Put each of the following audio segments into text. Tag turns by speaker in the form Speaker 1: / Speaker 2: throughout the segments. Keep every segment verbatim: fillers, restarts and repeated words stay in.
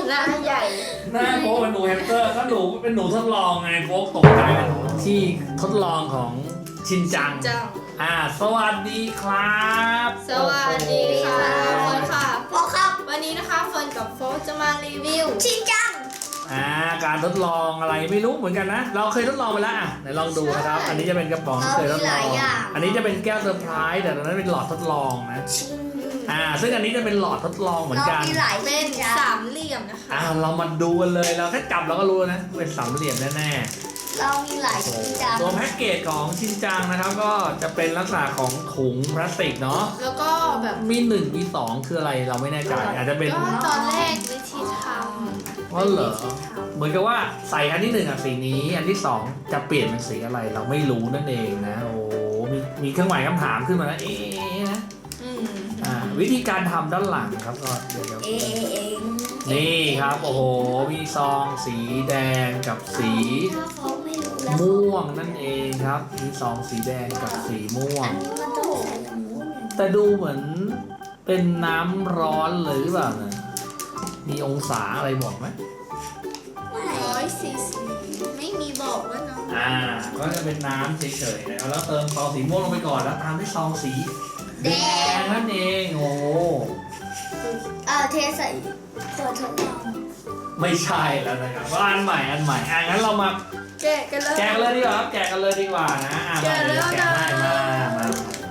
Speaker 1: หน้าใหญ่
Speaker 2: หน้าโฟกเป็นหนูแฮมสเตอร์ก็หนูเป็นหนูทดลองไงโฟกตกใจกันที่ทดลองของชินจัง
Speaker 1: จัง
Speaker 2: อ่าสวัสดีครับ
Speaker 1: สวัสดีค่ะ
Speaker 2: โอ้โห
Speaker 1: เฟิร์นค่ะ
Speaker 3: โฟครับ
Speaker 1: วันนี้นะคะเฟิร์นกับโฟร์จะมารีวิว
Speaker 3: ชินจัง
Speaker 2: อ่าการทดลองอะไรไม่รู้เหมือนกันนะ เราเคยทดลองไปแล้วอ่ะไหนลองดูนะครับ อันนี้จะเป็นกระป๋องที่เคยทดลอง อันนี้จะเป็นแก้วเซอร์ไพรส์แต่ตอนนั้นเป็นหลอดทดลองนะ
Speaker 3: ชิน
Speaker 2: อ่าซึ่งอันนี้จะเป็นหลอดทดลองเหมือนกัน
Speaker 3: เรามีหลาย
Speaker 1: เป็
Speaker 3: ชิ
Speaker 1: น
Speaker 3: นจัง
Speaker 1: สามเหลี่ยมนะคะ
Speaker 2: อ่าเรามาดูกันเลยเราแค่จับเราก็รู้แล้วนะเป็นสามเหลี่ยมแน่
Speaker 3: เรามีหลาย
Speaker 2: ๆ
Speaker 3: ชินจัง
Speaker 2: ตัวแพ็กเกจของชินจังนะครับ ก็จะเป็นลักษณะของถุงพลาสติกเนาะ
Speaker 1: แล้วก็แบบ
Speaker 2: มีหนึ่งมีสองคืออะไรเราไม่แน่ใจอาจจะเป็น
Speaker 1: ก็ตอนแรกวิธีท
Speaker 2: ว่าเหรอเหมือนกับว่าใส่อันที่หนึ่งอ่ะสีนี้อันที่สองจะเปลี่ยนเป็นสีอะไรเราไม่รู้นั่นเองนะโอ้มีมีเครื่องหมายคำถามขึ้นมาแล้วเอ๊ะนะ
Speaker 1: ำอืม
Speaker 2: อ่าวิธีการทำด้านหลังครับก็เดี๋ยว
Speaker 3: เอเอเอง
Speaker 2: ๆนี่ครับโอ้โหมีซองสีแดงกับสี
Speaker 3: ถ้าเขาไม่รู้แล้ว
Speaker 2: ม่วงนั่นเองครับมีซองสีแดงกับสีม่ว
Speaker 3: อั
Speaker 2: ง
Speaker 3: นนี้มันต้องใส่ตรงนู้นเนี่ย
Speaker 2: แต่ดูเหมือนเป็นน้ำร้อนเลยหรือเปล่าเนี่ยมีองศาอะไรบอกไหม
Speaker 1: ร้อยสี่สิบไม่มีบอกว่าน้อง
Speaker 2: อ่าก็จะเป็นน้ำเฉยๆนะครับแล้วเติมซองสีม่วงลงไปก่อนแล้วตามด้วยซองสีแดงนั่นเองโอ้
Speaker 3: เอาเทใส่ขวดทดลอง
Speaker 2: ไม่ใช่แล้วนะครับว่าอันใหม่อันใหม่อ่ะงั้นเรามา
Speaker 1: แกะกันเลย
Speaker 2: แกะกันเลยดีกว่าครับแกะกันเลยดีกว่านะอ่ะ
Speaker 1: แกะ
Speaker 2: มา
Speaker 1: แล้
Speaker 2: เดี๋ยว วแกะให้
Speaker 1: นะ
Speaker 2: มามา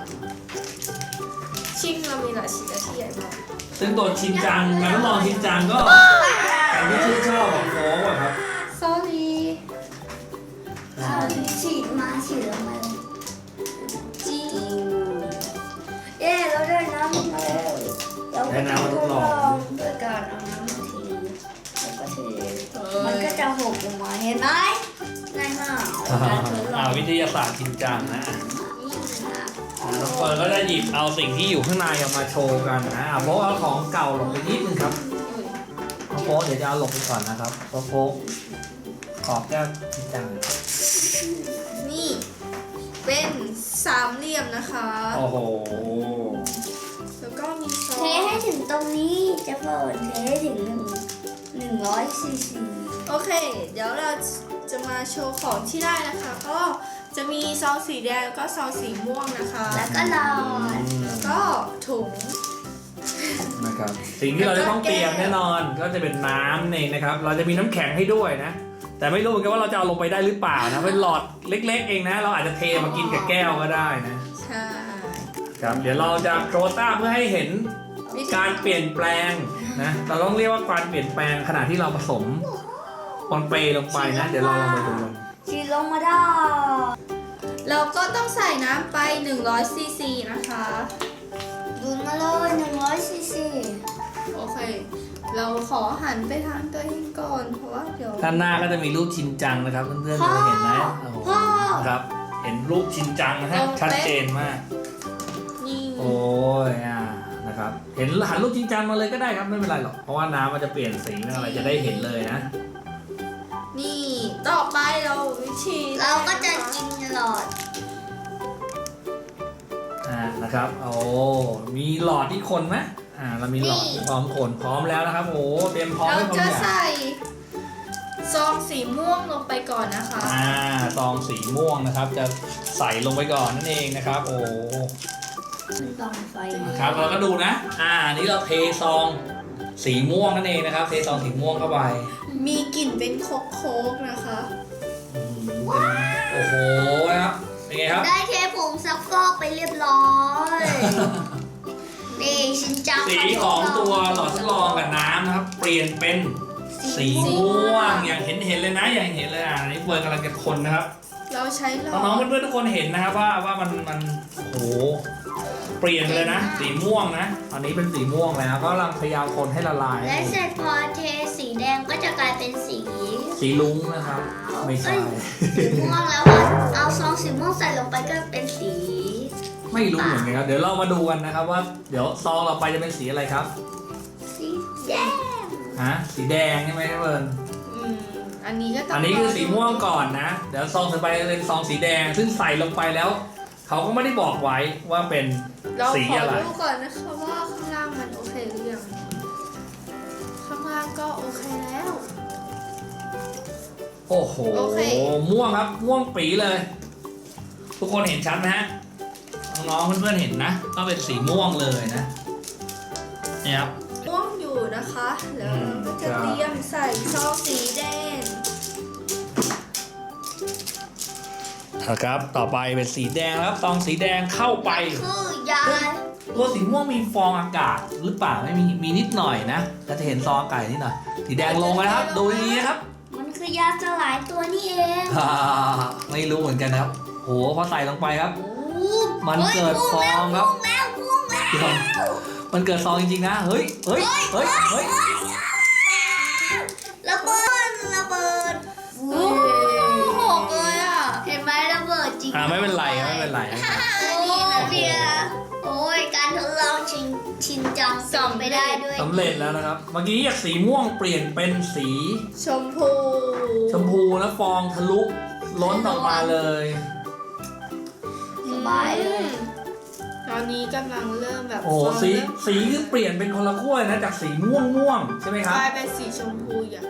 Speaker 1: ชิงเรามีหลายชิ้นและที่ใหญ่มาก
Speaker 2: ซึ่งตัวชินจังการทดลองชินจังก็อย่างที่ชื่นชอบของโฟกอะครับ
Speaker 1: sorry
Speaker 3: เอาฉีดมาฉีดลงมาเลย
Speaker 1: จี
Speaker 3: เย้เราได้น้ำมาแล้วเราก็ทดลองด้วยการเอาน้ำมาทีแล้วก็เทมันก็จะหกลงมาเห็นไหมง่ายมากการทดล
Speaker 2: อ่า
Speaker 3: อง
Speaker 2: วิทยาศาสตร์ชินจังนะอ่ะน้องเฟิร์นก็จะหยิบเอาสิ่งที่อยู่ข้างในออกมาโชว์กันนะอ่ะโฟกเอาของเก่าลงไปนิดนึงครับ น้องโฟกเดี๋ยวจะเอาหลบไปก่อนนะครับเพราะโฟกขอบแก้วชินจัง
Speaker 1: นี่เป็นสามเหลี่ยมนะคะ
Speaker 2: โอ้โห
Speaker 1: แล้วก็มีซอ
Speaker 3: เทให้
Speaker 1: ส
Speaker 3: ถึงตรงนี้จะเปิดเทให้ถึงหนึ่งหนึ่งร้อยซีซี
Speaker 1: โอเค เดี๋ยวเราจะมาโชว์ของที่ได้นะคะ ก็จะมีซองสีแดงแล้วก็ซองสีม่วงนะคะ
Speaker 3: แล้วก็หลอด
Speaker 1: แล้วก็ถุง
Speaker 2: นะครับสิ่งที่เราจะต้องเตรียมแน่นอนก็จะเป็นน้ำนี่นะครับ เราจะมีน้ำแข็งให้ด้วยนะ แต่ไม่รู้เหมือนกันว่าเราจะเอาลงไปได้หรือเปล่านะเป็นหลอดเล็ก ๆ เองนะ เราอาจจะเทมากินกับแก้วก็ได้นะ
Speaker 1: ใช่
Speaker 2: ครับเดี๋ยวเราจะโครต้าเพื่อให้เห็นการเปลี่ยนแปลงนะเราต้องเรียกว่าการเปลี่ยนแปลงขณะที่เราผสมปอนเปลงไปนะ เดี๋ยวเราลองไปดูกัน
Speaker 3: ฉีดลงมาได้
Speaker 1: เราก็ต้องใส่น้ำไปหนึ่งร้อยซีซีนะคะ
Speaker 3: ดูดมาเลยหนึ่งร้อยซีซี
Speaker 1: โอเค เราขอหันไปทางตัวเองก่อนเพราะว่าเดี๋ยว
Speaker 2: ด้านหน้าก็จะมีรูปชินจังนะครับเพื่อนๆจะเห็นนะโอ้โหครับเห็นรูปชินจังนะฮะชัดเจนมาก
Speaker 1: นี่
Speaker 2: โอ้ยอ่านะครับเห็นหันรูปชินจังมาเลยก็ได้ครับไม่เป็นไรหรอกเพราะว่าน้ำมันจะเปลี่ยนสีไม่อะไรจะได้เห็นเลยนะ
Speaker 1: นี่ต่อไปเราวิธี
Speaker 3: เราก็จะกินหลอด
Speaker 2: อ่านะครับโอ้มีหลอดที่คนไหมอ่าเรามีหลอดที่พร้อมคนพร้อมแล้วนะครับโอ้เตรียมพร้อม
Speaker 1: เรา
Speaker 2: ให้พร้อ
Speaker 1: จะ
Speaker 2: มอย่าง
Speaker 1: ใส่ซองสีม่วงลงไปก่อนนะคะ
Speaker 2: อ่าซองสีม่วงนะครับ จะใส่ลงไปก่อนนั่นเองนะครับโอ้
Speaker 3: มันต้องไฟ
Speaker 2: ครับเราก็ดูนะอ่านี่เราเทซองสีม่วงนั่นเองนะครับเทซองสีม่วงเข้าไป
Speaker 1: มีกลิ่นเป็นโคกโคกนะคะ
Speaker 2: อืมเป็นโอ้โหนะครับเป็นไงครับ
Speaker 3: ได้เทผงซักฟอกไปเรียบร้อยนี่ชินจัง
Speaker 2: สีของตัวหลอดทดลองกับน้ำนะครับ เปลี่ยนเป็นสีม่วงอย่างเห็นเห็นเลยนะอย่างเห็นเลยอ่ะอันนี้เฟิร์นกำลังจะคนนะครับ
Speaker 1: เราใช้หลอ
Speaker 2: น้อง
Speaker 1: ด
Speaker 2: ๆเพื่อนๆทุกคนเห็นนะครับว่าว่ามันมันโอ้โหเปลี่ยนไปเลยนะ สีม่วงนะตอนนี้เป็นสีม่วงแล้วก็กำลังพยายามคนให้ละลาย
Speaker 3: และเสร็จพอเทสีแดงก็จะกลายเป็นสี
Speaker 2: สีลุ้งนะครับไม่ใช่
Speaker 3: สีม่วงแล้วอะเอาซองสีม่วงใส่ลงไปก็เป็นสี
Speaker 2: ไม่รู้เหมือนกันครับเดี๋ยวเรามาดูกันนะครับว่าเดี๋ยวซองเราไปจะเป็นสีอะไรครับ
Speaker 3: สีแดง
Speaker 2: ฮะสีแดงใช่ไหมครับเฟิร์น
Speaker 1: อืมอันนี้ก็ต้อง
Speaker 2: อันนี้คือสีม่วงก่อนนะ เดี๋ยวซองต่อไปเป็นซองสีแดง ซึ่งใส่ลงไปแล้ว เขาก็ไม่ได้บอกไว้ว่าเป็น
Speaker 1: เรา
Speaker 2: สี
Speaker 1: ขอ
Speaker 2: อะไร
Speaker 1: ดูก่อนนะคะว่าข้างล่างมันโอเคหรือยังข้างล่างางก็โอเคแล้ว
Speaker 2: โอ้โห
Speaker 1: โอเค
Speaker 2: ม่วงครับม่วงปีเลย ทุกคนเห็นชัดไหมฮะน้องๆเพื่อนๆเห็นนะก็เป็นสีม่วงเลยนะนี่ครับ
Speaker 1: ม่วงอยู่นะคะ แล้วเราก็จะ
Speaker 2: อืม
Speaker 1: เตรียมใส่ซองสีแดง
Speaker 2: นะครับ ต่อไปเป็นสีแดงครับซองสีแดงเข้าไป
Speaker 3: คือยา
Speaker 2: ตัวสีม่วงมีฟองอากาศหรือเปล่าไม่มีมีนิดหน่อยนะเราจะเห็นซองอากาศนิดหน่อยสีแดงลงไปนะครับ ดูดีๆนะครับ
Speaker 3: มันคือยาสลายตัวนี่เอง
Speaker 2: อ่าไม่รู้เหมือนกันนะครับโหพอใส่ลงไปครับ
Speaker 3: โอ้
Speaker 2: มันเกิดฟองครับ
Speaker 3: พุ่งแล้วพุ่งแล้ว
Speaker 2: เดี๋ยวมันเกิดฟองจริงๆนะเฮ้ยเฮ้ยเฮ้ยเฮ้ย
Speaker 3: ระเบิดระเบิด
Speaker 1: โอ้หกเลยอ่ะ
Speaker 3: เห็นไหมระเบิดจริง
Speaker 2: อ่าไม่เป็นไรครับไม่เป็นไรนะครับ
Speaker 3: นี่นะเบียร์โอ้ยการทดลองชิงชินจังส่องไปได้ด้วย
Speaker 2: สำเร็จแล้วนะครับ เมื่อกี้จากสีม่วงเปลี่ยนเป็นสี
Speaker 1: ชมพู
Speaker 2: ชมพูนะฟองทะลุล้นออกมาเลย
Speaker 3: สบายเลย
Speaker 1: ตอนนี้กำลังเริ่มแบบ
Speaker 2: โอ้โห
Speaker 1: ฟง
Speaker 2: สี
Speaker 1: เริ่ม
Speaker 2: สีคือเปลี่ยนเป็นคนละขั้วเลยนะจากสีม่วงม่วงใช่ไหมค
Speaker 1: ก
Speaker 2: รับ
Speaker 1: ลายเป็นสีชมพูอย่าง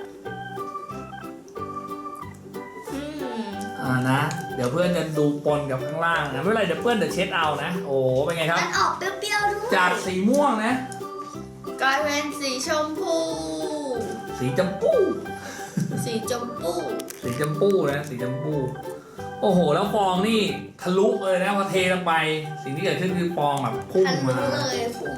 Speaker 1: อืม
Speaker 2: อ่านะ เดี๋ยวเพื่อนจะดูปนกับข้างล่างนะไม่เป็นไรเดี๋ยวเพื่อนจะเช็ดเอานะ โอ้โหเป็นไงครับ
Speaker 3: มันออกเปรี้ยวๆด้วย
Speaker 2: จากสีม่วงนะ
Speaker 1: กลายเป็นสีชมพู
Speaker 2: สีจำปู
Speaker 1: สีชมพู
Speaker 2: สีจำปูนะสีจำปูโอ้โห แล้วฟองนี่ทะลุเลยนะพอเทลงไป สิ่งที่เกิดขึ้นคือฟองแบบพุ่ง
Speaker 3: ทัน
Speaker 2: มา
Speaker 3: รู้เลยพุ่ง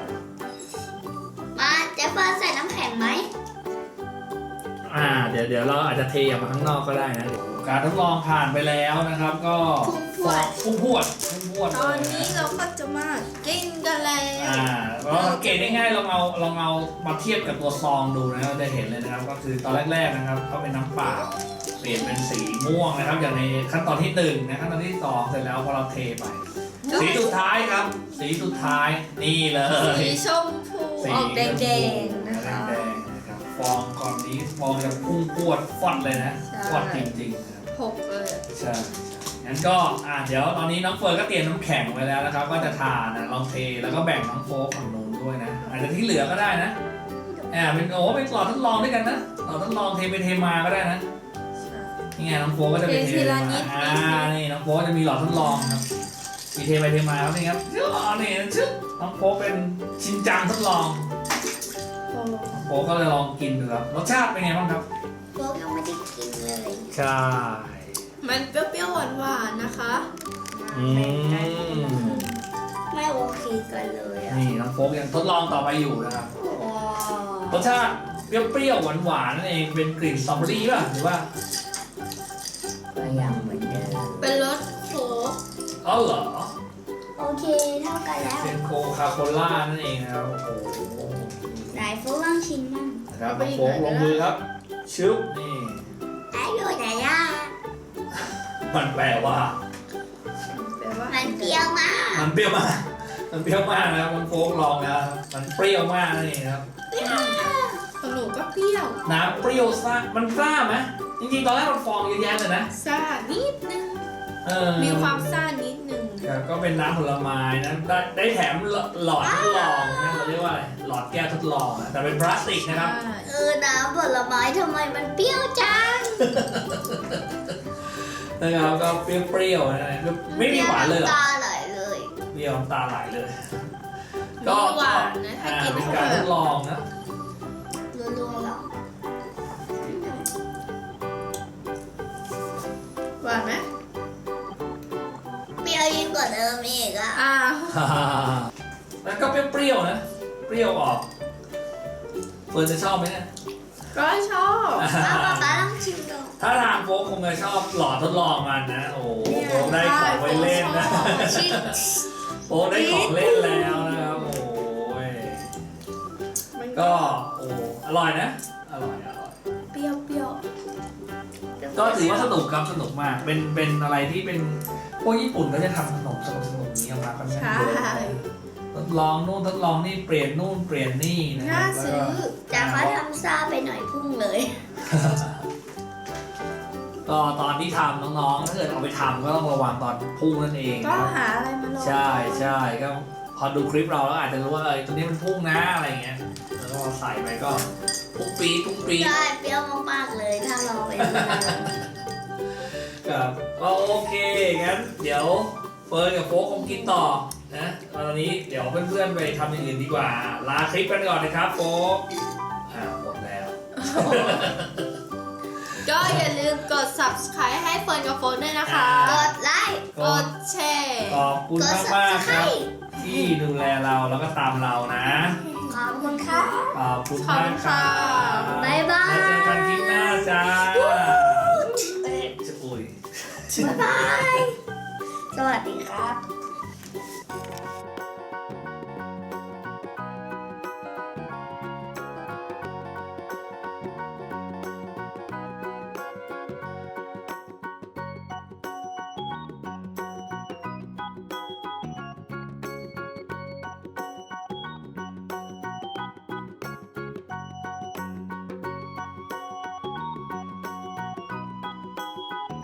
Speaker 3: มาเจ๊เฟิร์นใส่น้ำแข็งไหม
Speaker 2: อ่าเดี๋ยวเดี๋ยวเราอาจจะเทออกมาข้างนอกก็ได้นะ การทดลองผ่านไปแล้วนะครับ ก็พุ่งพวดพุ่งพวด
Speaker 1: ตอนนี้เราก็จะมากินกันแล้ว
Speaker 2: อ่าเราสังเกตได้ง่ายลองเอาลองเอามาเทียบกับตัวซองดูนะเราจะเห็นเลยนะครับ ก็คือตอนแรกๆนะครับก็เป็นน้ำเปล่าเปลี่ยนเป็นสีม่วงนะครับ อย่างในขั้นตอนที่หนึ่งนะขั้นตอนที่สองเสร็จแล้วพอเราเทไป สีสุดท้ายครับ สีสุดท้ายนี่เลย
Speaker 1: สีชมพูออกแดงๆนะคะ
Speaker 2: แดงๆนะครับฟองก่อนนี้ฟองจะพุ่งพวดฟอดเลยนะ
Speaker 1: ใช่
Speaker 2: ฟอดจริงๆนะครับ
Speaker 1: หกเลย
Speaker 2: ใช่งั้นก็อ่าเดี๋ยวตอนนี้น้องเฟิร์นก็เตรียมน้ำแข็งไว้แล้วนะครับ ก็จะทานนะลองเทแล้วก็แบ่งน้องโฟกฝั่งนู้นด้วยนะอาจจะที่เหลือก็ได้นะอ่าเป็นโอ้เป็นหลอดทดลองด้วยกันนะหลอดทดลองเทไปเทมาก็ได้นะนี่ไงน้องโฟกก็จะไปเท
Speaker 1: เททีละนิด
Speaker 2: อ่านี่น้องโฟกจะมีหลอดทดลองครับมีเทไปเทมาครับนี่ครับชื่อนี่ชื่อน้องโฟกเป็นชินจังทดลอง
Speaker 1: โอ้
Speaker 2: น้องโฟกก็เลยลองกินดูครับรสชาติเป็นไงบ้างครับ
Speaker 3: โฟกยังไม่ได้กินเลย
Speaker 2: ใช่
Speaker 1: มันเปรี้ยวๆหวานๆนะคะ
Speaker 2: อืม
Speaker 3: ไม่โอเคกันเลยอ่ะ
Speaker 2: นี่น้องโฟกยังทดลองต่อไปอยู่นะครับ
Speaker 3: ว้าว
Speaker 2: รสชาติเปรี้ยวๆหวานๆนั่นเองเป็นกลิ่นสตรอเบอรี่ป่ะหรือว่า
Speaker 3: ก็ยังเหมือนเดิม
Speaker 1: เป็นรสโค้ก
Speaker 2: อ๋อเหรอ
Speaker 3: โอเคเท่ากันแล้ว
Speaker 2: เป็นโคคาโคล่านั่นเองนะครับโอ้โห
Speaker 3: ไหนโฟกลองชิมมั่ง
Speaker 2: นะครับน้องโฟกลงมือครับชึบนี่
Speaker 3: ไอ้อยู่ไหนอ่ะ
Speaker 2: มันแปลว่า
Speaker 1: แปลว่า
Speaker 3: มันเปรี้ยวมาก
Speaker 2: มันเปรี้ยวมากมันเปรี้ยวมากนะครับน้องโฟกลองแล้วมันเปรี้ยวมากนั่นเองครับ
Speaker 1: ของหนูก็เปรี้ยว
Speaker 2: น้ำเปรี้ยวซ่ามันซ่าไหมจริงๆตอนแรกมันฟองเยอะแยะเลยนะ
Speaker 1: ซ่านิดนึง
Speaker 2: เออ
Speaker 1: มีความซ่านิดนึง
Speaker 2: ครับก็เป็นน้ำผลไม้นะได้ได้แถมหลอดทดลองนะเราเรียกว่าอะไรหลอดแก้วทดลองนะแต่เป็นพลาสติกนะครับ
Speaker 1: ใช่
Speaker 3: เออน้ำผลไม้ทำไมมันเปรี้ยวจัง
Speaker 2: นะครับก็เปรี้ยวๆนะไม่มีหวานเลยเหรอ
Speaker 3: ตาไหลเลย
Speaker 2: เปรี้ยวน้ำตาไหลเลย
Speaker 1: มีหวานนะถ้า
Speaker 2: อ่า
Speaker 1: กิน
Speaker 2: เป็น
Speaker 1: เข้า
Speaker 2: การ
Speaker 1: ไป
Speaker 2: ทดลองนะ
Speaker 3: รัวๆหรอ
Speaker 1: หวานไหม
Speaker 3: เปรี้ยวยิ่งกว่าเดิมอีกอ่ะ
Speaker 1: อ้าว
Speaker 2: แล้วก็เปรี้ยวๆนะ เปรี้ยวออกเฟิร์นจะชอบไหมเนี่ย
Speaker 1: ก็ชอบ
Speaker 3: ป้าป๊าป๊าลองชิมดู
Speaker 2: ถ้าทางโฟกคงจะชอบหลอดทดลองมันนะ โอ้โหโฟกได้ของไว้เล่นนะ
Speaker 3: ชิม
Speaker 2: โฟกได้ของเล่นแล้วนะครับ โอ้ย
Speaker 1: มัน
Speaker 2: ก็โอ้อร่อยนะ อร่อยอร่อย
Speaker 1: เปรี้ยวเปรี้ยว
Speaker 2: ก็ถือว่าสนุกครับสนุกมาก เป็นเป็นอะไรที่เป็นพวกญี่ปุ่นก็จะทำขนมสนุกสนุกๆนี้ออกมาค่อนข้าง
Speaker 1: ใช่
Speaker 2: เยอะทดลองนู่นทดลองนี่เปลี่ยนนู่นเปลี่ยนนี่นะค
Speaker 1: น่า
Speaker 2: รับ
Speaker 1: ซื้อ
Speaker 3: แต่เขาทำซาไปหน่อยพุ่งเลย
Speaker 2: ก็ตอนที่ทำน้องๆถ้าเกิดเอาไปทำก็ต้องระวังตอนพุ่งนั่นเอง
Speaker 1: ก็
Speaker 2: นะครับ
Speaker 1: หาอะไรมาลอง
Speaker 2: ใช่ใช่ก็พอดูคลิปเราแล้วอาจจะรู้ว่าเออตัวนี้มันพุ่งนะอะไรอย่างเงี้ยแล้วก็พอใส่ไปก็ปุ้งปี๊ดปุ้งปี๊ด
Speaker 3: ได้เปรี้ยวมากๆเลยถ้าเราเป็นมะนาว
Speaker 2: ครับก็โอเคงั้นเดี๋ยวเฟิร์นกับโฟกคงกินต่อนะตอนนี้เดี๋ยวเพื่อนๆไปทำอย่างอื่นดีกว่า ลาคลิปกันก่อนนะครับโฟกอ่าหมดแล้ว
Speaker 1: ก็อย่าลืมกด subscribe ให้เฟิร์นกับโฟนด้วยนะคะ
Speaker 3: กดไลค์
Speaker 1: กดแชร์
Speaker 2: ขอบคุณมากมากๆครับ ที่ดูแลเราแล้วก็ตามเรานะ
Speaker 3: ขอบคุณค่ะ
Speaker 2: ขอบคุณมากครับ
Speaker 3: บ๊ายบาย
Speaker 2: แล้วเจอกันคลิปหน้าจ้าจะอุ้ย
Speaker 3: บ๊ายบาย สวัสดีครับ